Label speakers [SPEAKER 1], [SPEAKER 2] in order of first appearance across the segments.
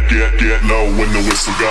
[SPEAKER 1] get low when the whistle go.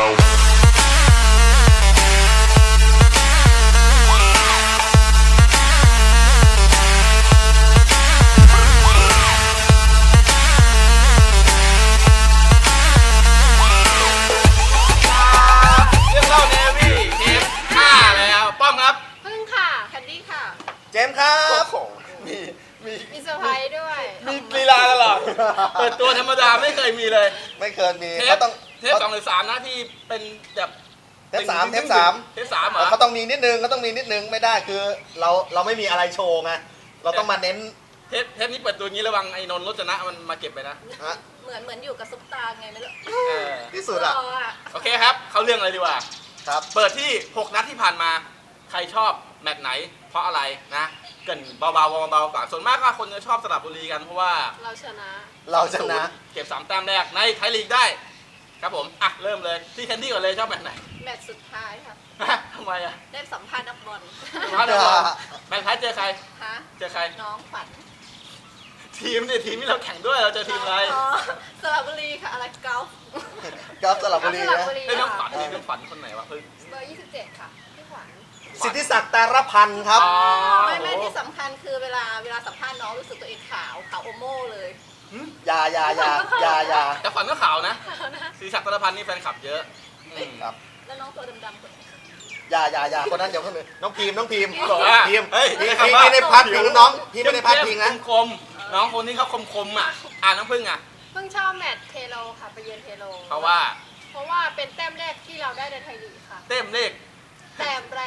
[SPEAKER 2] เจมส์ครับ
[SPEAKER 3] มีเซอร์ไพรส์ด้วย
[SPEAKER 4] มีลีลาตลอดเปิดตัวธรรมดาไม่เคยมีเลย
[SPEAKER 2] ไม่เคยมี
[SPEAKER 4] เท
[SPEAKER 2] เขาต้อง
[SPEAKER 4] เทป2 หรือ 3นะที่เป็นแบบ
[SPEAKER 2] เทป3
[SPEAKER 4] เหรอ
[SPEAKER 2] เขาต้องมีนิดนึงไม่ได้คือเราไม่มีอะไรโชว์ไงเราต้องมาเน้น
[SPEAKER 4] เทปนี้เปิดตัวงี้ระวังไอ้นนท์รจนะมันมาเก็บไปนะ
[SPEAKER 3] เหมือนอยู่กับซุปตาไงไม่รู้
[SPEAKER 2] ที่สุดอ่ะ
[SPEAKER 4] โอเคครับเขาเรื่องอะไรดีกว่า
[SPEAKER 2] ครับ
[SPEAKER 4] เปิดที่6 นัดที่ผ่านมาใครชอบแมตช์ไหนเพราะอะไรนะเกินเบาๆก่อนส่วนมากก็คนจะชอบสระบุรีกันเพราะว่า
[SPEAKER 3] เราชนะ
[SPEAKER 4] เก็บ3 แต้มแรกในไทยลีกได้ครับผมอ่ะเริ่มเลยที่แคนดี้ก่อนเลยชอบแมตช์ไหน
[SPEAKER 3] แมตช์สุดท้ายค่ะ
[SPEAKER 4] ทำไมอ่ะ
[SPEAKER 3] ได้สัมภาษณ์นักบอล
[SPEAKER 4] แมตช์ท้ายเจอใครเจอใคร
[SPEAKER 3] น้องฝัน
[SPEAKER 4] ทีมที่เราแข่งด้วยเราเจอทีมอะไร
[SPEAKER 3] สระบุรีค่ะอะไรกอล์ฟ
[SPEAKER 2] สระบุรีนะ
[SPEAKER 4] น้องฝันคนไหนวะเพิ่ง
[SPEAKER 3] เบอร์27ค่ะพี่ขวัญ
[SPEAKER 2] สิทธิศักดิ์ตาลพันธ์ครับ
[SPEAKER 3] ไม่ที่สำคัญคือเวลาสัมภาษณ์น้องรู้สึกตัวเองขาวโอโม่เลย
[SPEAKER 2] อย่า
[SPEAKER 4] แต่ฝันก็ขาวนะสิทธิศักดิ์ตาลพันธ์นี่แฟนคลับเยอะ
[SPEAKER 2] ครับ
[SPEAKER 3] แล้วน้องตัวดำๆคนไหน
[SPEAKER 2] อย่าคนนั้นเดี๋ยวคนนึงน้องพิม
[SPEAKER 4] บอกว่า
[SPEAKER 2] พิมพี่ไม่ได้พัดพิงน้องพี่ไม่ได้พัดพิงนะ
[SPEAKER 4] คมน้องคนนี้เขาคมอ่ะน้องพึ่งอ่ะ
[SPEAKER 3] พึ่งชอบแมตช์เทโลค่ะไปเยือนเทโล
[SPEAKER 4] เพราะว่า
[SPEAKER 3] เป็นแต้มแรกที่เราได้ในไทยลีกค่ะ
[SPEAKER 4] แต้มแรก
[SPEAKER 3] ต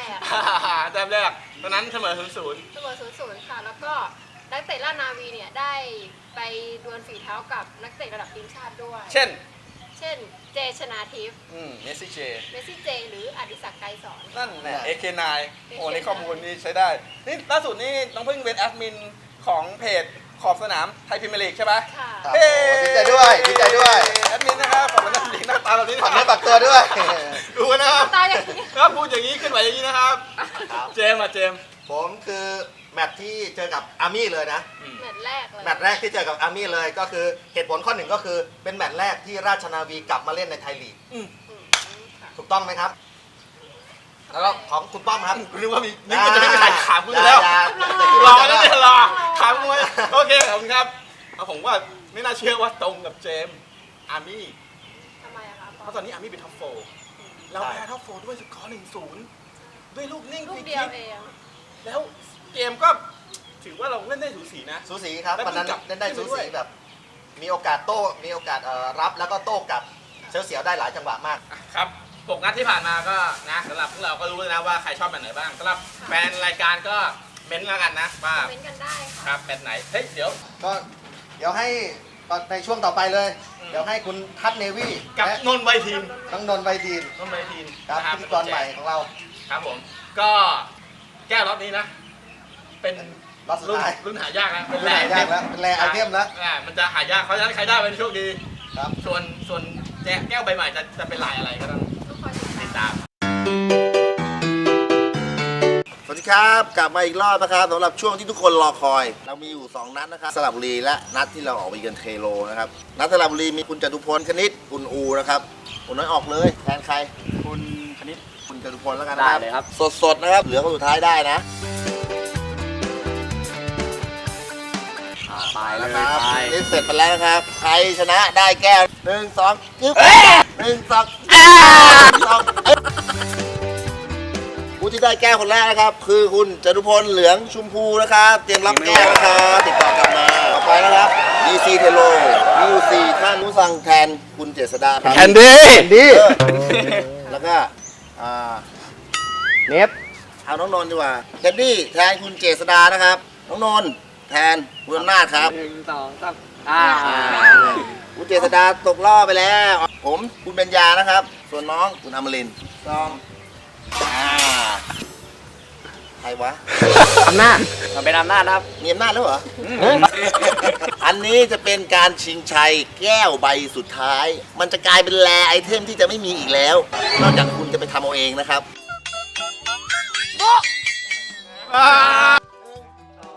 [SPEAKER 4] อนนั้นเสมอ 0-0
[SPEAKER 3] ค่ะแล้วก็นักเตะราชนาวีเนี่ยได้ไปดวลฝีเท้ากับนักเตะระดับทีมชาติด้วย
[SPEAKER 4] เช่น
[SPEAKER 3] เจชนาทิพย์
[SPEAKER 4] เมสซี่
[SPEAKER 3] เจหรืออดิศักดิ์ไกรสอน
[SPEAKER 4] นั่นแหละ AK9 โอ้นี่ข้อมูลนี่ใช้ได้นี่ล่าสุดนี่น้องพึ่งเป็นแอดมินของเพจขอบสนามไทยพรีเมียร์ลีกใช่ไหม
[SPEAKER 3] ค่ะ
[SPEAKER 2] ดีใจด้วย
[SPEAKER 4] แอดมินนะครับขอบสนามลีกหน้าตาแบบนี้
[SPEAKER 2] ฝากตัวด้วย
[SPEAKER 4] ดูนะครับ
[SPEAKER 3] ตาอย่างนี้
[SPEAKER 4] ครับพูดอย่างนี้ขึ้นไหวอย่างนี้นะครับเจมส์
[SPEAKER 2] ผมคือแมตช์ที่เจอกับอาร์มี่เลยนะ
[SPEAKER 3] แมตช์แรก
[SPEAKER 2] ที่เจอกับอาร์มี่เลยก็คือเหตุผลข้อหนึ่งก็คือเป็นแมตช์แรกที่ราชนาวีกลับมาเล่นในไทยลีกถูกต้องไหมครับแล้วก็ของคุณป้อมครับ
[SPEAKER 4] คุณนึกว่ามีนี่มันจะไม่มีใครถามคุณแล้วรอแล้วเนี่ยรอถามคุณโอเคขอบคุณครับผมว่าไม่น่าเชื่อว่าตรงกับเจมส์อาร์มี่
[SPEAKER 3] ทำไมอะคะ
[SPEAKER 4] เพราะตอนนี้อาร์มี่เป็นท็อป4เราแพ้ท็อป4ด้วยสกอร์ 1-0 ด้วยลูกนิ่ง
[SPEAKER 3] ลูกเดียวเอง
[SPEAKER 4] แล้วเกมก็ถือว่าเราเล่นได้สูสีนะ
[SPEAKER 2] สูสีครับตอนนั้นเล่นได้สูสีแบบมีโอกาสโต้มีโอกาสรับแล้วก็โต้กลับเสียวได้หลายจังหวะมาก
[SPEAKER 4] ครับ6 นัดที่ผ่านมาก็นะสำหรับพวกเราก็รู้แล้วนะว่าใครชอบแบบไหนบ้างสำหรับแฟนรายการก็เม้นต์แล้วกันนะว่า
[SPEAKER 3] เม้นต์กันได้
[SPEAKER 4] ครับแบบไหนเฮ้ยเดี๋
[SPEAKER 2] ยวให้ในช่วงต่อไปเลยเดี๋ยวให้คุณทัศเนวี่
[SPEAKER 4] กับนนท์ใบทีม
[SPEAKER 2] ทั้งนนท์ใบทีมครับพิธีกรใหม่ของเรา
[SPEAKER 4] ครับผมก็แก้วรอบนี้นะเป็นรุ่นหายากนะ
[SPEAKER 2] เป็นแร่ไอเทมแล้ว
[SPEAKER 4] มันจะหายากเขาจะใครได้เป็นโชคดีครับส่วนแก้วใบใหม่จะเป็นลายอะไรก็ต้องติดตาม
[SPEAKER 2] สวัสดีครับกลับมาอีกรอบนะครับสำหรับช่วงที่ทุกคนรอคอยเรามีอยู่2นัดนะครับสระบุรีและนัดที่เราออกไปเยือนเทโลนะครับนัดสระบุรีมีคุณจตุพลคณิตคุณอูนะครับคุณน้อยออกเลยแทนใคร
[SPEAKER 4] คุณคณิต
[SPEAKER 2] คุณจตุพลแล้วกันนะครับสดนะครับเหลือคนสุดท้ายได้นะ
[SPEAKER 4] ตายเลย
[SPEAKER 2] นี่เสร็จไปแล้วนะครับใครชนะได้แก้ว1 2จึ๊บ1 2ผู้ที่ได้แก้วคนแรกนะครับคือคุณจตุพลเหลืองชมพูนะครับเตรียมรับแก้วนะครับติดต่อกลับมาต่อไปนะครับ DC เทโลมีอยู่4ท่านผู้สั่งแทนคุณเจษฎา
[SPEAKER 4] แคนดี้
[SPEAKER 2] แล้วก็เนฟเอาน้องนนท์ดีกว่าแคนดี้แทนคุณเจษฎานะครับน้องนนท์แทนคุณอำนาจครับ
[SPEAKER 4] 1 2
[SPEAKER 2] 3คุณเจษฎาตกรอบไปแล้วผมคุณปัญญานะครับส่วนน้องคุณอมรินทร์ใครวะ
[SPEAKER 4] อำนาจมันเป็นอำนาจครับ
[SPEAKER 2] มีอำนาจแล้วเหรออันนี้จะเป็นการชิงชัยแก้วใบสุดท้ายมันจะกลายเป็นแรไอเทมที่จะไม่มีอีกแล้วนอกจากคุณจะไปทำเอาเองนะครับ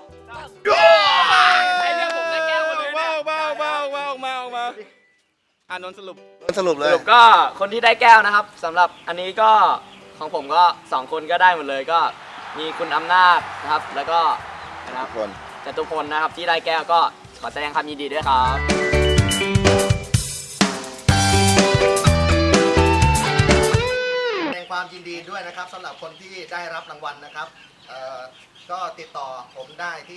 [SPEAKER 4] ไอเรื่องผมได้แก้วมาเลยเนี่ยนนท์สรุป
[SPEAKER 2] สรุปเล
[SPEAKER 5] ส
[SPEAKER 2] ย
[SPEAKER 5] รุปก็คนที่ได้แก้วนะครับสำหรับอันนี้ก็ของผมก็2คนก็ได้หมดเลยก็มีคุณอำนาจนะครับ แล้วก็นะครับ
[SPEAKER 2] คน
[SPEAKER 5] จตุพลนะครับที่ได้แก้วก็ขอแสดงความยินดีด้วยครับ
[SPEAKER 6] แสดงความยินดีด้วยนะครับสำหรับคนที่ได้รับรางวัลนะครับก็ติดต่อผมได้ที่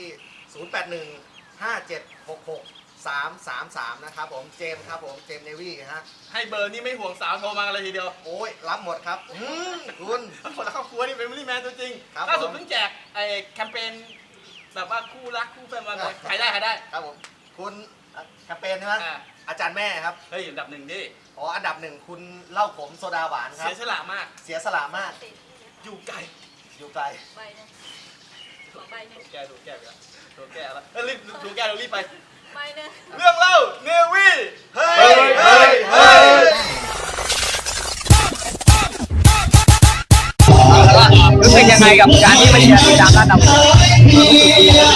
[SPEAKER 6] 0815766333 นะครับผมเจมส์ครับผมเจมส์เนวี่ฮะ
[SPEAKER 4] ให้เบอร์นี่ไม่ห่วงสาวโทรมากันเลยทีเดียว
[SPEAKER 6] โอ้ยรับหมดครับคุณ
[SPEAKER 4] คนละครอบครัวนี่เป็นมิลลี่แมนตัวจริง
[SPEAKER 6] ครับ
[SPEAKER 4] ล่าสุด
[SPEAKER 6] ผม
[SPEAKER 4] เพิ่งแจกไอ้แคมเปญแบบว่าคู่รักคู่แฟนวันเลยใครได้
[SPEAKER 6] ครับผมคุณแคมเปญใช่ไหม
[SPEAKER 4] อ่า
[SPEAKER 6] อาจารย์แม่ครับ
[SPEAKER 4] เฮ้ยอันดับหนึ่งดิ
[SPEAKER 6] อ๋ออันดับหนึ่งคุณเหล้าขมโซดาหวานครั
[SPEAKER 4] เสี
[SPEAKER 6] บ
[SPEAKER 4] ยสละมาก
[SPEAKER 6] เสียสละมาก
[SPEAKER 4] อยู่ไกล
[SPEAKER 6] อยู่ไกล
[SPEAKER 3] ใบหนึงขอใบหนึง
[SPEAKER 4] แกดูแกไปแล้วดูแกแล้วรีบดูแกเรารีบไป
[SPEAKER 3] ใบหนึง
[SPEAKER 4] เรื่องเล่าเนวี่
[SPEAKER 6] เฮ้ยเฮ้ยเฮ้ย
[SPEAKER 5] รู้สึกยังไงกับการที่มาเชียร์ทีมด้านดำ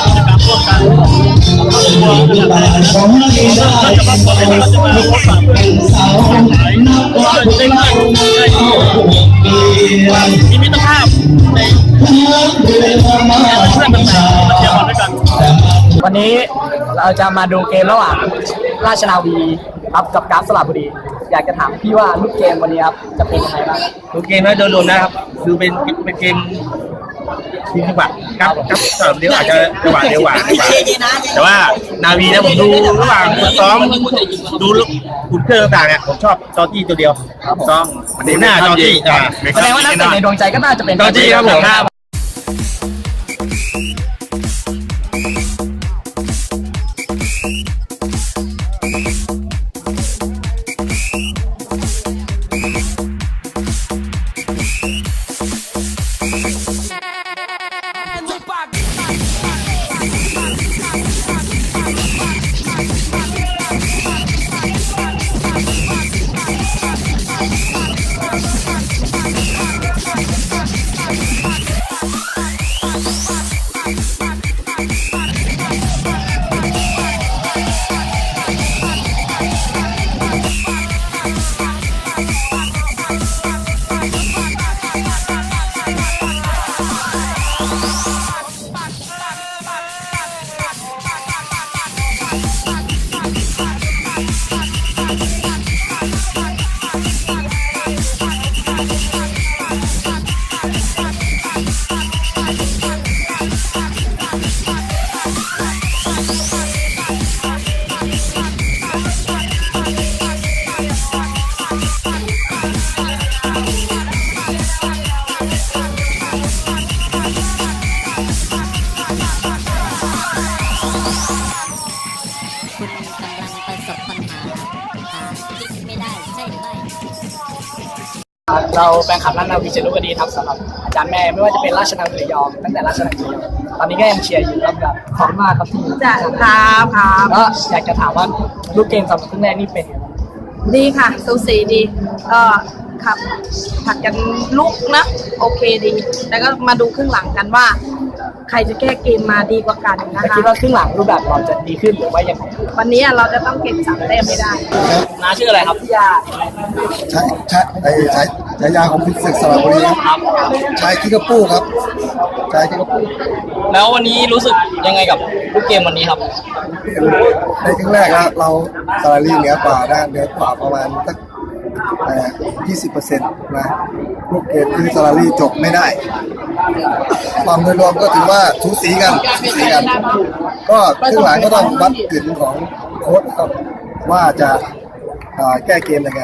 [SPEAKER 7] มีมิตรภาพในเพื่อนต่างๆมาเชียร์บอลด้วยกัน
[SPEAKER 5] วันนี้เราจะมาดูเกมระหว่างราชนาวีครับกับกราฟสระบุรีอยากจะถามพี่ว่าลูกเกมวันนี้ครับจะเป็นยังไงบ้าง
[SPEAKER 7] ดูเกมแล้วโดนนะครับคือเป็นเกมทีมจังหวะครับสามเดียวอาจจะจังหวะเดียวกว่าแต่ว่านาวีนะผมดูระหว่างซ้อมดูอุ่นเครื่องต่างๆเนี่ยผมชอบจอจี้ตัวเดียวซ้อมดูหน้าจอจี้
[SPEAKER 5] แสดงว่านักเตะในดวงใจก็น่าจะเป็น
[SPEAKER 7] จอจี้ครับผม
[SPEAKER 8] คุณกำลังประสบปัญหาคลิกไม่ได้ใช่หรือไม่
[SPEAKER 5] เราแฟนคลับราชนาวีจะรู้กันดีครับสำหรับอาจารย์แม่ไม่ว่าจะเป็นราชนาวีระยองตั้งแต่ราชนาวีระยองตอนนี้ก็ยังเชียร์อยู่ครับแบบขอบคุณมากครับที่จ้าครับก็อยากจะถามว่าลูกเกมสำหรับครึ่งแรกนี่เป็นยังไง
[SPEAKER 9] ดีค่ะสูสีดีก็ขับผัดกันลุกนะโอเคดี แล้วก็มาดูครึ่งหลังกันว่า ใครจะแก้เกมมาดีกว่ากันนะ
[SPEAKER 5] แล้ว
[SPEAKER 9] คะ
[SPEAKER 5] คิดว่าครึ่งหลังรูปแบบเราจะดีขึ้นหรือว่ายังไง
[SPEAKER 9] วันนี้เราจะต้องเก็บ3 แต้มให้ได้
[SPEAKER 5] น้าชื่ออะไรครับ
[SPEAKER 9] อย่า
[SPEAKER 10] ใช้ฉายาของคุณศึกสระบุรีครับชายคิกกระปู้ครับชายคิกกระปู้
[SPEAKER 5] แล้ววันนี้รู้สึกยังไงกับลูกเกมวันนี้ครับ
[SPEAKER 10] ในครึ่งแรกนะเราสระบุรีเหนือกว่านะเหนือกว่าประมาณสัก20%นะลูกเกมคือสระบุรีจบไม่ได้ความโดยรวมก็ถือว่าสูสีกันก็ครึ่งหลังก็ต้องวัดกึ่นของโค้ชครับว่าจะแก้เกมยังไง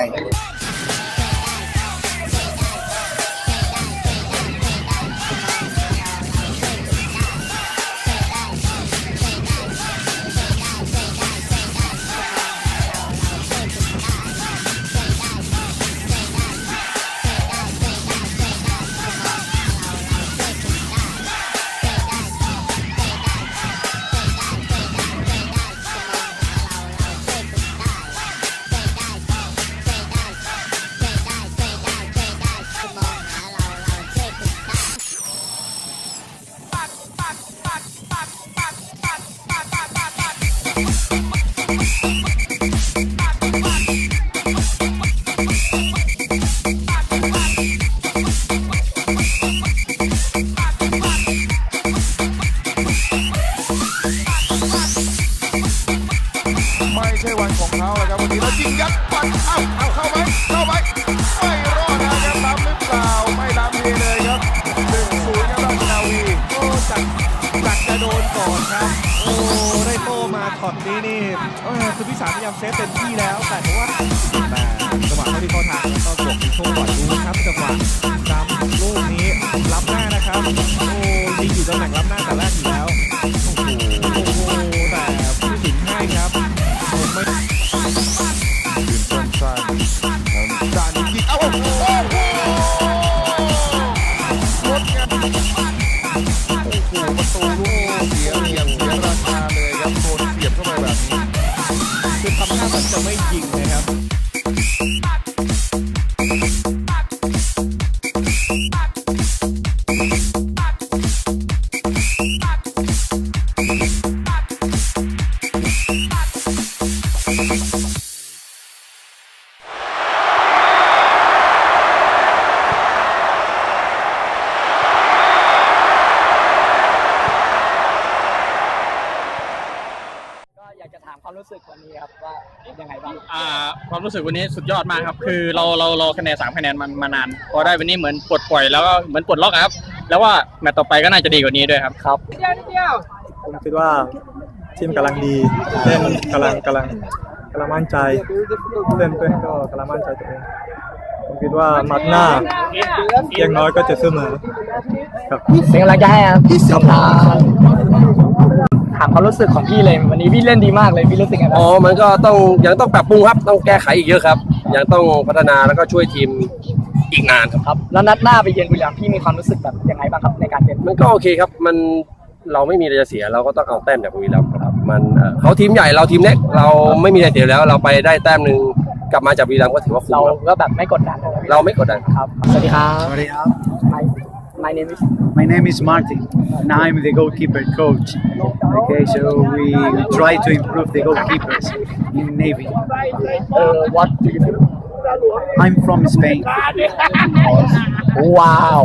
[SPEAKER 11] นี้นี่คือพิสารพยายามเซฟเต็มที่แล้วแต่ว่าจังหวะเขาที่เข้าทางแล้วก็บวกมีโชคก่อนดูครับจังหวะจำลูกนี้ล้ำหน้านะครับโอ้ยิงอยู่ตำแหน่งล้ำหน้าแต่แรกอยู่แล้วโอ้โหแต่ผู้ตัดสินให้ครับไม่ยืนสั้นๆจานยิงโอ้โหรถงานโอ้โหประตูลูกเสียราคาเลยครับโดนเสียบเข้าไปแบบนี้คือทำหน้าเหมือนจะไม่ยิงนะครับ
[SPEAKER 5] อยากจะถามความรู้สึกวันนี้ครับว่ายังไงบ้าง
[SPEAKER 12] ความรู้สึกวันนี้สุดยอดมากครับคือเราคะแนน3 คะแนนมานานพอได้วันนี้เหมือนปลดปล่อยแล้วก็เหมือนปลดล็อกครับแล้วว่าแมตต์ต่อไปก็น่าจะดีกว่านี้ด้วยครับครับ
[SPEAKER 13] ผมคิดว่าทีมกำลังดีเล่นกำลังมั่นใจเล่นเป็นก็กำลังมั่นใจตัวเองผมคิดว่ามัดหน้าอย่างน้อยก็จะเสมอครับ
[SPEAKER 5] เป็นกำลังใจให้ครับถามความรู้สึกของพี่เลยวันนี้พี่เล่นดีมากเลยพี่รู้สึกไงบ้าง
[SPEAKER 14] มันก็ยังต้องปรับปรุงครับต้องแก้ไขอีกเยอะครับยังต้องพัฒนาแล้วก็ช่วยทีมอีกนานครับ
[SPEAKER 5] แล้วนัดหน้าไปเยือนบุรีรัมย์พี่มีความรู้สึกแบบยังไงบ้างครับในการเล่น
[SPEAKER 14] มันก็โอเคครับเราไม่มีอะไรจะเสียเราก็ต้องเอาแต้มจากบุรีรัมย์ครับมันเขาทีมใหญ่เราทีมเล็กเราไม่มีอะไรเสียแล้วเราไปได้แต้มนึงกลับมาจากบุรีรัมย์ก็ถือว่าคุ้มเรา
[SPEAKER 5] ก็แบบไม่กดดัน
[SPEAKER 14] เราไม่กดดัน
[SPEAKER 5] ครับสวัสดีครับ
[SPEAKER 13] สวัสดีครับ
[SPEAKER 5] My
[SPEAKER 13] name is Martin and I'm the goalkeeper coach. Okay, so we try to improve the goalkeepers in Navy.
[SPEAKER 5] What do you do?
[SPEAKER 13] I'm from Spain.
[SPEAKER 5] Wow.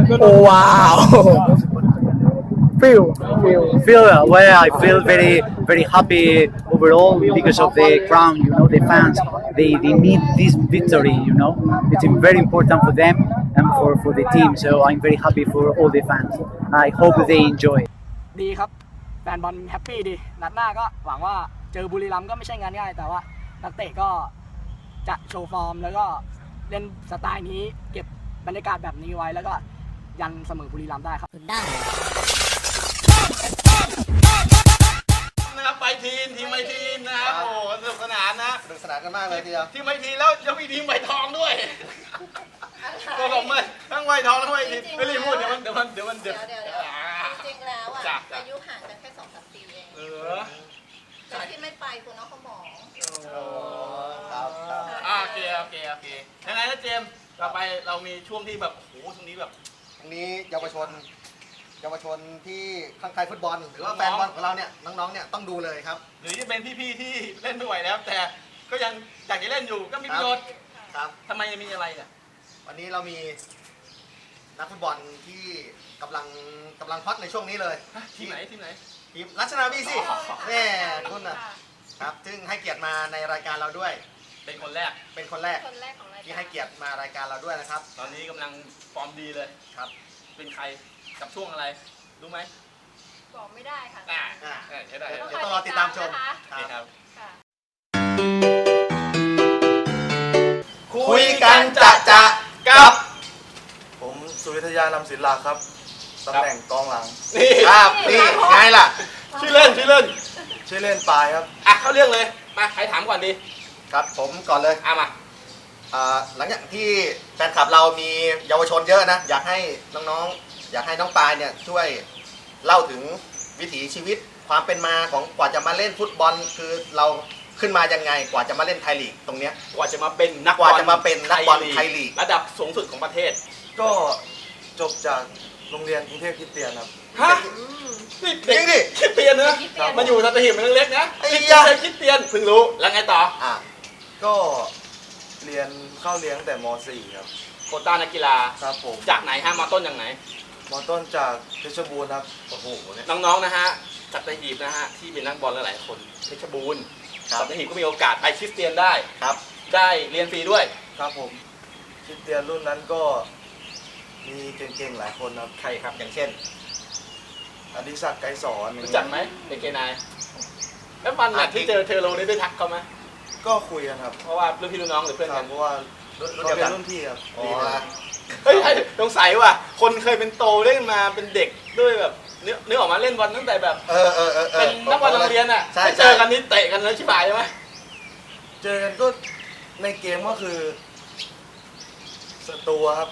[SPEAKER 13] I feel very happy overall because of the crowd, the fans, they need this victory, it's very important for them and for the team, so I'm very happy for all the fans. I hope they enjoy.
[SPEAKER 5] ดีครับแฟนบอลแฮปปี้ดีนัดหน้าก็หวังว่าเจอบุรีรัมย์ก็ไม่ใช่งานง่ายแต่ว่านักเตะก็จะโชว์ฟอร์มแล้วก็เล่นสไตล์นี้เก็บบรรยากาศแบบนี้ไว้แล้วก็ยันเสมอบุรีรัมย์ได้ครับ
[SPEAKER 8] ได้
[SPEAKER 4] นะครับไปทีมไมทีนนะครับโอ้สนุกสนานนะ
[SPEAKER 6] สนุกสนานกันมากเลยทีเดียว
[SPEAKER 4] ทีมไมทีนแล้วยังมีทีมใบทองด้วยตัวผมเลยทั้งใบทองทั้งใบทีนไม่รีบพูดเดี๋ยวจริง
[SPEAKER 3] แล้วอายุห่างกันแค่2-3 ปีเองแต่ที่ไม่ไปคุณน้องเขาหมอ
[SPEAKER 4] โอเคยังไงนะเจมส์ต่อไปเรามีช่วงที่แบบโอ้โหช่วงนี้แบบ
[SPEAKER 6] ตรงนี้เยาวชนที่ข้างใครฟุตบอลหรือว่าแฟนบอลของเราเนี่ยน้องๆเนี่ยต้องดูเลยครับ
[SPEAKER 4] หรือจะเป็นพี่ๆที่เล่นไม่ไหวแล้วแต่ก็ยังอยากจะเล่นอยู่ก็มีประโยชน์
[SPEAKER 6] ครับ
[SPEAKER 4] ทำไมมีอะไรเนี่ย
[SPEAKER 6] วันนี้เรามีนักฟุตบอลที่กำลังฮอตในช่วงนี้เลย
[SPEAKER 4] ทีมไหน
[SPEAKER 6] ทีมรัชนาวีสิแม่คุณนะครับซึ่งให้เกียรติมาในรายการเราด้วย
[SPEAKER 4] เป็นคนแรก
[SPEAKER 3] ของรายการ
[SPEAKER 6] ที่ให้เกียรติมารายการเราด้วยนะครับ
[SPEAKER 4] ตอนนี้กำลังฟอร์มดีเลย
[SPEAKER 6] ครับ
[SPEAKER 4] เป็นใครกับช่วงอะไรรู้ไหม
[SPEAKER 3] บอกไม่ได้ค่ะ
[SPEAKER 4] ใช่ได้
[SPEAKER 6] ต้องรอติดตามชม
[SPEAKER 4] ครับ
[SPEAKER 6] คุยกันจะ
[SPEAKER 4] กับ
[SPEAKER 10] ผมสุวิทยานำศิลาครับตำแหน่งกองหลัง
[SPEAKER 4] นี่
[SPEAKER 6] ครับนี่ไงล่ะ
[SPEAKER 4] ชื่อเล่น
[SPEAKER 10] ปายครับ
[SPEAKER 4] เข้าเรื่องเลยมาใครถามก่อนดี
[SPEAKER 6] ครับผมก่อนเลย
[SPEAKER 4] มา
[SPEAKER 6] หลังจากที่แฟนคลับเรามีเยาวชนเยอะนะอยากให้น้องปายเนี่ยช่วยเล่าถึงวิถีชีวิตความเป็นมาของกว่าจะมาเล่นฟุตบอลคือเราขึ้นมายังไงกว่าจะมาเล่นไทยลีกตรงเนี้ย
[SPEAKER 4] กว่าจะมาเป็นนักบอล
[SPEAKER 6] ไทยลีก
[SPEAKER 4] ระดับสูงสุดของประเทศ
[SPEAKER 10] ก็จบจากโรงเรียนกรุงเทพคริสเตียนครับ
[SPEAKER 4] นี่เด็กดิคริสเตียนนะมาอยู่สัตหีบมันเล็กนะคริสเตียนเพิ่งรู้แล้วไงต่อ
[SPEAKER 10] ก็เข้าเรียนตั้งแต่ม .4 ครับ
[SPEAKER 4] โควต้านักกีฬา
[SPEAKER 10] ครับผม
[SPEAKER 4] จากไหนฮะมาต้นจากไหน
[SPEAKER 10] มาต้นจากเพชรบูรณ์ครับ
[SPEAKER 4] โอ้โหน้องๆนะฮะสัตหีบนะฮะที่เป็นนักบอลหลายคนเพชรบูรณ์สัตหีบก็มีโอกาสไปคริสเตียนได้
[SPEAKER 6] ครับ
[SPEAKER 4] ได้เรียนฟรีด้วย
[SPEAKER 10] ครับผมคริสเตียนรุ่นนั้นก็มีเก่งๆหลายคนครับ
[SPEAKER 4] ใครครับอย่างเช่น
[SPEAKER 10] อดิศักดิ์ไกรสอน
[SPEAKER 4] รู้จักไหมเป็นเกนายแล้ววันที่เจอเทโลนี่ได้ทักเขาไหม
[SPEAKER 10] ก็คุยกันครับ
[SPEAKER 4] เพราะว่ารุ่นพี่รุ่นน้องหรือเพื่อนกัน
[SPEAKER 10] เพราะว่า
[SPEAKER 6] รุ่น
[SPEAKER 10] เขา
[SPEAKER 6] เดียว
[SPEAKER 10] เป็
[SPEAKER 6] กัน
[SPEAKER 10] นรุ่นพี่ครับ
[SPEAKER 6] อ๋อ
[SPEAKER 4] เฮ้ยสงสัยว่ะคนเคยเป็นโตเล่นมาเป็นเด็กด้วยแบบนึกออกมาเล่นบอลตั้งแต่แบบเป็นนักบอลโรงเรียนอ่ะไม่เจอกันนี่เตะกันแล้วชิบหายใช่ไหม
[SPEAKER 10] เจอกันก็ในเกมก็คือศัตรูครับ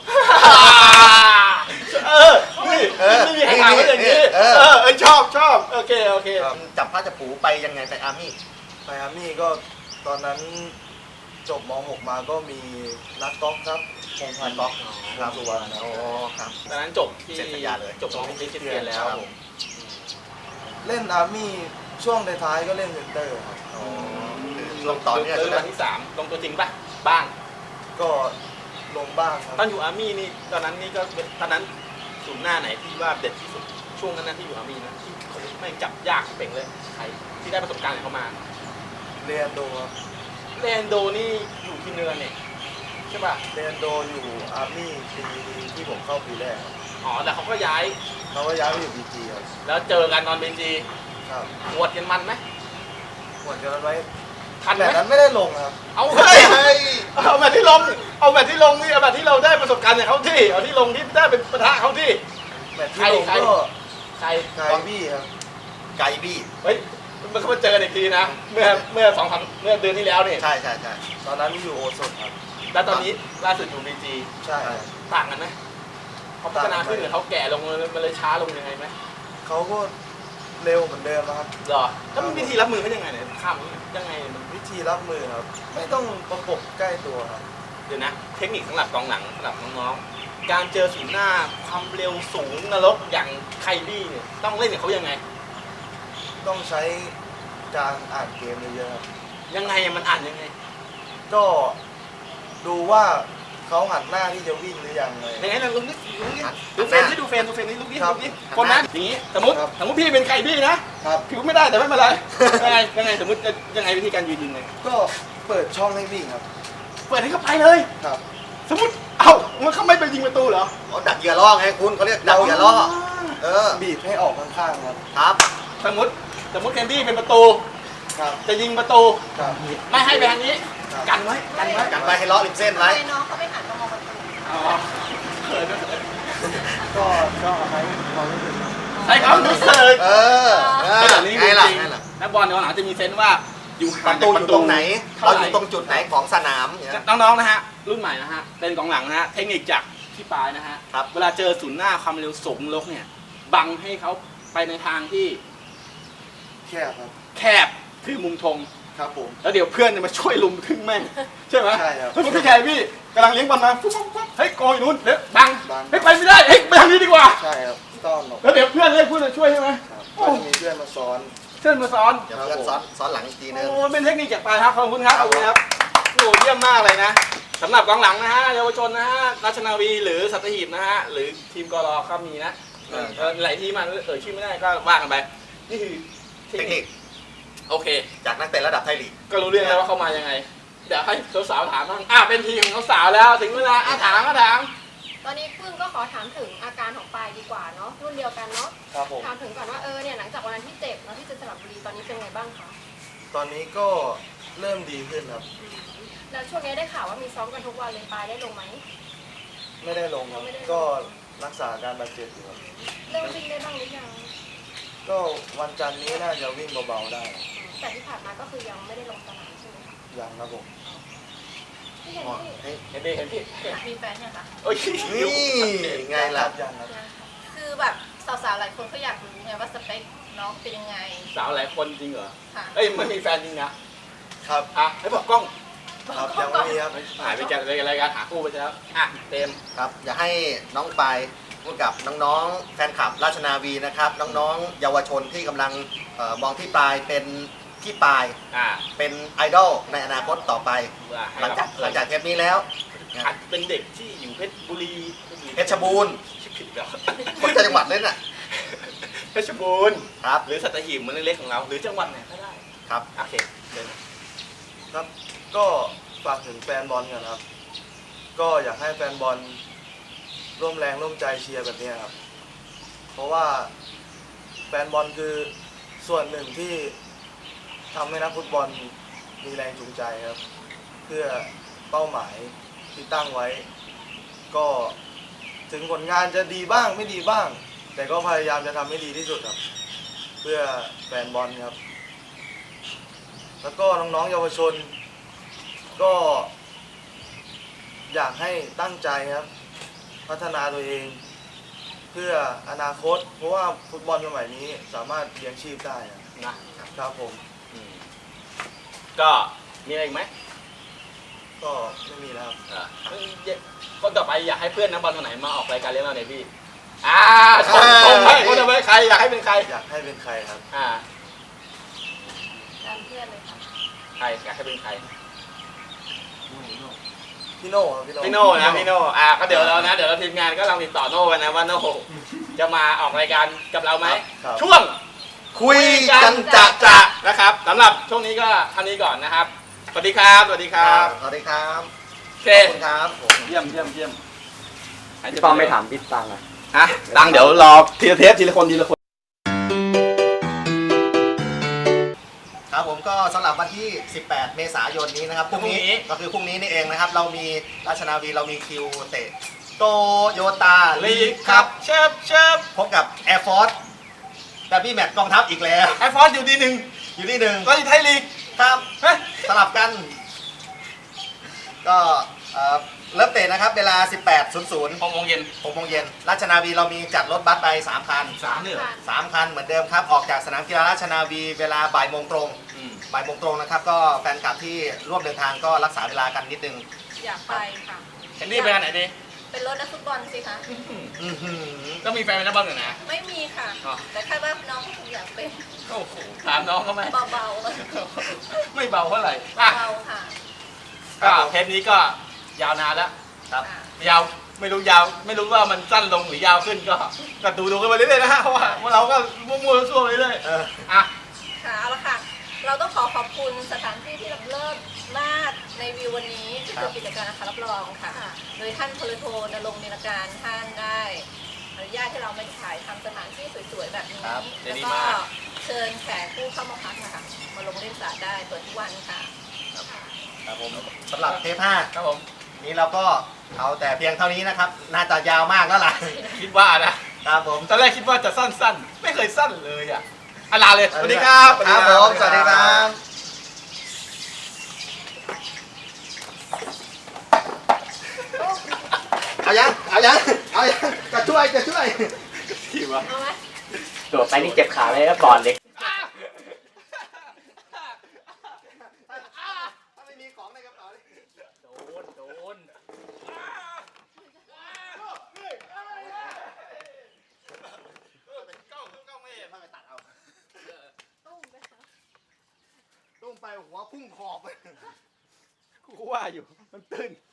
[SPEAKER 4] นี่ไม่มีใครถามว่าอย่างนี้ชอบโอเค
[SPEAKER 6] จับผ้าจับผูไปยังไงไปอาร์มี่
[SPEAKER 10] ไปอาร์มี่ก็ตอนนั้นจบม .6 มาก็มีนักกอล์ฟครับพงษ์พันธ์กอล์ฟครับสุวรรณ
[SPEAKER 6] อ๋อครับ
[SPEAKER 4] ตอนนั้นจบที่
[SPEAKER 6] เซ็นสัญญาเลย
[SPEAKER 4] จบของที่เรียนแล้วผม
[SPEAKER 10] เล่นอาร์มี่ช่วงท้ายๆก็เล่นเซนเตอร์ครับ
[SPEAKER 6] ลงต่อเนี่ย
[SPEAKER 4] วันที่3ลงตัวจริงป่ะบ้าง
[SPEAKER 10] ก็ลงบ้างครับ
[SPEAKER 4] ตอนอยู่อาร์มี่นี่ตอนนั้นนี่ก็ตอนนั้นศูนย์หน้าไหนที่ว่าเด็ดที่สุดช่วงนั้นที่อยู่อาร์มี่นะที่เขาไม่จับยากเป่งเลยใครที่ได้ประสบการณ์เขามา
[SPEAKER 10] เรียนโดครับ
[SPEAKER 4] เรนโดนี่อยู่ที่เนือเนี่ยใช่ป่ะ
[SPEAKER 10] เรียนโดอยู่อาร์มี่ปีที่ผมเข้าปีแรกครับ
[SPEAKER 4] อ๋อแต่เขาก็ย้าย
[SPEAKER 10] เขาก็ย้ายไปอยู่บีจีครับ
[SPEAKER 4] แล้วเจอกันตอนเบนจี
[SPEAKER 10] ครับ
[SPEAKER 4] หวดกันมันไหม
[SPEAKER 10] หมดกันไว้
[SPEAKER 4] ทันไหม
[SPEAKER 10] แต่นั้นไม่ได้ลงครับ
[SPEAKER 4] เอาเฮ้ยเอาแบบที่ลงนี่เอาแบบที่เราได้ประสบการณ์จากเขาที่เอาที่ลงที่ได้เป็นปะทะเขาที่
[SPEAKER 10] แมตช์ที่ลงก็
[SPEAKER 4] ใคร
[SPEAKER 10] ไกบี้ครับ
[SPEAKER 6] ไกบี้
[SPEAKER 4] เฮ้ยมันเขามาเจอกันอีกทีนะเมื่อ2-3เมื่อเดือนที่แล้วนี่
[SPEAKER 6] ใช่
[SPEAKER 10] ตอนนั้นอยู่โอสถครับ
[SPEAKER 4] แล้วตอนนี้ล่าสุดอยู่บีจี
[SPEAKER 10] ใช่ครับ
[SPEAKER 4] ต่างกันไหมเขาพัฒนาขึ้นหรือเขาแก่ลงมันเลยช้าลงยังไงไหม
[SPEAKER 10] เขาก็เร็วเหมือนเดิมนะครับ
[SPEAKER 4] หรอแล้วมันวิธีรับมือเป็นยังไงเนี่ยข้ามยังไงมัน
[SPEAKER 10] วิธีรับมือครับ ไม่ต้องประกบใกล้ตัวครับ
[SPEAKER 4] เดี๋ยวนะเทคนิคสำหรับกองหลังสำหรับน้องๆการเจอศูนย์หน้าความเร็วสูงนรกอย่างไคบี้เนี่ยต้องเล่นกับเขายังไง
[SPEAKER 10] ต้องใช้การอ่านเกมเยอะๆครับ
[SPEAKER 4] ยังไงมันอ่านยังไง
[SPEAKER 10] ก็ดูว่าเขาหันหน้าที่จะวิ่งหรือยังเลย
[SPEAKER 4] ยังไงนะลุงนี่ดูเฟนที่ดูเฟนนี่ลุกนี่ลุกนี่คนนั้นอย่างนี้สมมติพี่เป็นไก่บี้นะครับ ผิวไม่ได้แต่ไม่เป็นไรยังไงสมมติยังไงวิธีการยืนไง
[SPEAKER 10] ก็เปิดช่องให้วิ่งครับ
[SPEAKER 4] เปิดให้เขาไปเลย
[SPEAKER 10] ครับ
[SPEAKER 4] สมมติเอ้ามันเขาไม่ไปยิงประตูเหรอ
[SPEAKER 6] เขาดักเหยื่อล่อไงคุณเขาเรียกดักเหยื่อล่อ
[SPEAKER 10] บีบให้ออกข้างๆครับ
[SPEAKER 6] ครับ
[SPEAKER 4] สมมติแคนดี้เป็นประตู
[SPEAKER 10] ครับ
[SPEAKER 4] จะยิงประตู
[SPEAKER 10] ครับ
[SPEAKER 4] ไม่ให้ไปทางนี้กันไว้
[SPEAKER 6] กันไว้ให้ล้อริมเส้นไว้
[SPEAKER 3] น้องเขาไม่หันมามองประตู
[SPEAKER 4] อ๋อเขินนะ
[SPEAKER 10] ก็ใช้ความรู้สึก
[SPEAKER 4] ใช้ความรู้สึก
[SPEAKER 6] แบบนี้ไงล่ะ
[SPEAKER 4] นักบอลในหลังจะมีเซนส์ว่าอยู่
[SPEAKER 6] ป
[SPEAKER 4] ห่าง
[SPEAKER 6] ระ
[SPEAKER 4] จา
[SPEAKER 6] ตู
[SPEAKER 4] ก
[SPEAKER 6] อ
[SPEAKER 4] ประ
[SPEAKER 6] ยู่
[SPEAKER 4] ตู
[SPEAKER 6] ตรงไหน
[SPEAKER 4] ท่
[SPEAKER 6] เรา
[SPEAKER 4] ไห
[SPEAKER 6] อยู่ตรงจุดไหนของสนามเนี่ย
[SPEAKER 4] น้องๆนะฮะรุ่นใหม่นะฮะเป็นกองหลังนะฮะเทคนิคจากพี่ปายนะฮะ
[SPEAKER 6] ครับ
[SPEAKER 4] เวลาเจอศูนย์หน้าความเร็วสูงลกเนี่ยบังให้เขาไปในทางที่
[SPEAKER 10] แคบครับ
[SPEAKER 4] แคบคือมุมธง
[SPEAKER 10] ครับผม
[SPEAKER 4] แล้วเดี๋ยวเพื่อนจะมาช่วยลุมทึ่งแม่งใช่ไหม
[SPEAKER 10] ใช่ครับ
[SPEAKER 4] เฮ้ยพี่แคร์พี่กำลังเลี้ยงบอลมาปุ๊บเฮ้ยโกยนู่นเดี๋ยวบัง
[SPEAKER 10] บัง
[SPEAKER 4] เฮ้ยไปไม่ได้เฮ้ยไปทางนี้ดีกว่า
[SPEAKER 10] ใช่ครับต้อนออก
[SPEAKER 4] แล้วเดี๋ยวเพื่อนเรียกเพื่อนมาช่วยใช่ไหม
[SPEAKER 10] ครับก็จะมีเพื่อนมาซ้อน
[SPEAKER 4] เพื่อนมาสอน
[SPEAKER 6] เดี๋ยวเพื่อนซ้อนหลังอีกทีนึง
[SPEAKER 4] โอ้เป็นเทคนิคจากปลายครับขอบคุณครับขอบคุณครับโอ้เยี่ยมมากเลยนะสำหรับกองหลังนะฮะเยาวชนนะฮะราชนาวีหรือสัตหีบนะฮะหรือทีมกรก็มีนะหลายทีมมันชื่อไม่ได้ก็ว่ากันไปนี่คือเท
[SPEAKER 6] เท
[SPEAKER 4] ค
[SPEAKER 6] ค
[SPEAKER 4] นิ
[SPEAKER 6] นิ
[SPEAKER 4] ค
[SPEAKER 6] ค
[SPEAKER 4] โอเค
[SPEAKER 6] จากนักเตะระดับไทยลีก
[SPEAKER 4] ก็รู้เรื่องแล้วว่าเขามายังไงเดี๋ยวให้สาวๆถามบ้างเป็นทีมของสาวแล้วถึงเวลาถาม
[SPEAKER 3] ตอนนี้พึ่งก็ขอถามถึงอาการของปายดีกว่าเนาะรุ่นเดียวกันเนาะ
[SPEAKER 10] ครับผม
[SPEAKER 3] ถามถึงก่อนว่าเนี่ยหลังจากวันนั้นที่เจ็บแล้วที่เจอสระบุรีตอนนี้เป็นไงบ้างคะ
[SPEAKER 10] ตอนนี้ก็เริ่มดีขึ้นครับ
[SPEAKER 3] แล้วช่วงนี้ได้ข่าวว่ามีซ้อมกันทุกวันเลยปายได้ลงไหม
[SPEAKER 10] ไม่ได้ลงครับ ก็รักษาการบาดเจ็บอยู่ครับ
[SPEAKER 3] เริ่มวิ่งได้บ้างหรือยัง
[SPEAKER 10] ก็วันจันทร์นี้น่าจะวิ่งเบาๆได้
[SPEAKER 3] แต่ที่ผ่านมาก็คือยังไม่ได้ลงสนามใช่ไหมคะ
[SPEAKER 10] ยังครับผม
[SPEAKER 3] พี่เห็นพี่
[SPEAKER 4] เห็นพี่
[SPEAKER 3] มีแฟนยังคะ
[SPEAKER 4] โอ้ย
[SPEAKER 6] นี่ไงล่ะ
[SPEAKER 10] ยังครับ
[SPEAKER 3] คือแบบสาวๆหลายคนก็อยากรู้ไงว่าสเปคน้องเป็นยังไง
[SPEAKER 4] สาวหลายคนจริงเหรอ
[SPEAKER 3] ค่ะ
[SPEAKER 4] เอ้ยไม่มีแฟนจริงนะครับให้บอกกล้อง
[SPEAKER 10] ครับยังไม่มีครับ
[SPEAKER 4] หายไปจากรายการหาคู่ไปแล้วเต็ม
[SPEAKER 6] ครับอยากให้น้องปายพูดกับน้องๆแฟนคลับราชนาวีนะครับ น้องๆเยาวชนที่กำลังมองที่ปลายเป็นที่ปลายเป็นไอดอลในอนาคตต่อไป หลังจากเทปนี้แล้ว
[SPEAKER 4] อาจเป็นเด็กที่อยู่เพชรบุรี
[SPEAKER 6] เพชรบูรณ์
[SPEAKER 4] ผิดเหรอ
[SPEAKER 6] คนจังหวัดเลยน่ะ
[SPEAKER 4] เพชรบูรณ์
[SPEAKER 6] ครับ
[SPEAKER 4] หรือสัตหีบเหมือนเล็กๆของเรา หรือจังหวัดไหนก็ได้
[SPEAKER 6] ครับ
[SPEAKER 4] โอเคเดิน
[SPEAKER 10] ครับ ก็ฝากถึงแฟนบอลกันครับ ก็อยากให้แฟนบอลร่วมแรงร่วมใจเชียร์แบบนี้ครับ เพราะว่าแฟนบอลคือส่วนหนึ่งที่
[SPEAKER 15] ทำให้นักฟุตบอลมีแรงจูงใจครับ เพื่อเป้าหมายที่ตั้งไว้ ก็ถึงผลงานจะดีบ้างไม่ดีบ้าง แต่ก็พยายามจะทำให้ดีที่สุดครับ เพื่อแฟนบอลครับ แล้วก็น้องๆเยาวชน ก็อยากให้ตั้งใจครับ พัฒนาตัวเอง เพื่ออนาคต เพราะว่าฟุตบอลสมัยนี้สามารถเลี้ยงชีพได้นะครับผม
[SPEAKER 4] ก็มีอะไรอีกไหม
[SPEAKER 15] ก็ไม่มีแล้วครับ
[SPEAKER 4] คนต่อไปอยากให้เพื่อนนักบอลคนไหนมาออกรายการเลี้ยงเราเนี่ยพี่ชมให้คนต่อไปใครอยากให้เป็นใคร
[SPEAKER 15] อยากให้เป็นใครครับ
[SPEAKER 3] ตามเพื่อนเลยค่ะ
[SPEAKER 4] ใครอยากให้เป็นใคร
[SPEAKER 15] พี่โน่ครับ
[SPEAKER 4] พี่โน่นะพี่โน่ก็เดี๋ยวเราทีมงานก็ลองติดต่อโน่กันนะว่าโน่จะมาออกรายการกับเราไหมช่วงคุยกันจะนะครับสำหรับช่วงนี้ก็เท่านี้ก่อนนะครับสวัสดีครับสวัสดีครับ
[SPEAKER 6] สวัสดีครับ
[SPEAKER 4] โอเค
[SPEAKER 6] ขอบคุณครับผม
[SPEAKER 4] เยี่ยม
[SPEAKER 12] พี่ป้อมไม่ถามพี่ตังอ่ะ
[SPEAKER 4] ตังเดี๋ยวรอทีละเทปทีละคน
[SPEAKER 6] ครับผมก็สำหรับวันที่ 18 เมษายนนี้นะครับพรุ่งนี้ก็คือพรุ่งนี้นี่เองนะครับเรามีราชนาวีเรามีคิวเตะโตโยต้าลีกครับเชิบพบกับ Air Force แต่พี่แมตช์กองทัพอีกแล้ว
[SPEAKER 4] Air Force อยู่ดีหนึ่ง
[SPEAKER 6] ก็อยู่ไทยลีกครับสลับกัน ก็เริ่มเตะนะครับเวลา 18:00
[SPEAKER 4] 6 โมงเย็น
[SPEAKER 6] ราชนาวีเรามีจัดรถบัสไป3 คัน 3 คันเหมือนเดิมครับออกจากสนามกีฬาราชนาวีเวลาบ่ายโมงตรงนะครับก็แฟนคลับที่ร่วมเดินทางก็รักษาเวลากันนิดนึง
[SPEAKER 3] อยากไปค่ะ
[SPEAKER 4] เห็นนี่ไปไหนดี
[SPEAKER 3] เป็นรถนักฟุตบอลสิคะ
[SPEAKER 4] ต้องมีแฟนเป็นนักบอลเหรอนะ
[SPEAKER 3] ไม่มีค่ะ แต่คาดว่าน้องคงอยากเป็น
[SPEAKER 4] โอ้โหถามน้องเขาไหม
[SPEAKER 3] เบาๆเลย
[SPEAKER 4] ไม่เบาเท่าไหร่
[SPEAKER 3] เบาค่ะ
[SPEAKER 4] ก็เทปนี้ก็ยาวนานแล้วครับยาวไม่รู้ว่ามันสั้นลงหรือยาวขึ้นก็ดูกันไปเรื่อยๆนะฮะเพราะว่าเราก็มั่วๆซั่วๆไปเรื่อย
[SPEAKER 3] ค่ะเอาละค่ะ เราต้องขอบคุณสถานที่ที่เลิศมากในวิววันนี้ที่คือกิจการนะคะรับรองค่ะ โดยท่านพลโทณรงค์นิรการท่านได้อนุญาตให้เรามาถ่ายทำสถานที่สวยๆแบบนี้แล้วก็เชิญแขกผู้เข้ามาพักนะคะมาลงเล่นสระได้เปิดทุกวันค่ะ
[SPEAKER 6] ครับผมสำหรับเทป 5
[SPEAKER 4] ครับผม
[SPEAKER 6] นี้เราก็เอาแต่เพียงเท่านี้นะครับน่าจะยาวมากแล้วล่ะ
[SPEAKER 4] คิดว่านะครับผมตอนแรกคิดว่าจะสั้นๆไม่เคยสั้นเลยลาเลยสวัสดีครับ
[SPEAKER 6] ครับผมสวัสดีครับเอายังจะช่วย
[SPEAKER 4] ที่วะ
[SPEAKER 12] โดดไปนี่เจ็บขาเลยก็ก่อนเด็ก
[SPEAKER 6] ตุ้มไปหัวพุ่งขอบ
[SPEAKER 4] กูว่าอยู่มันตื้น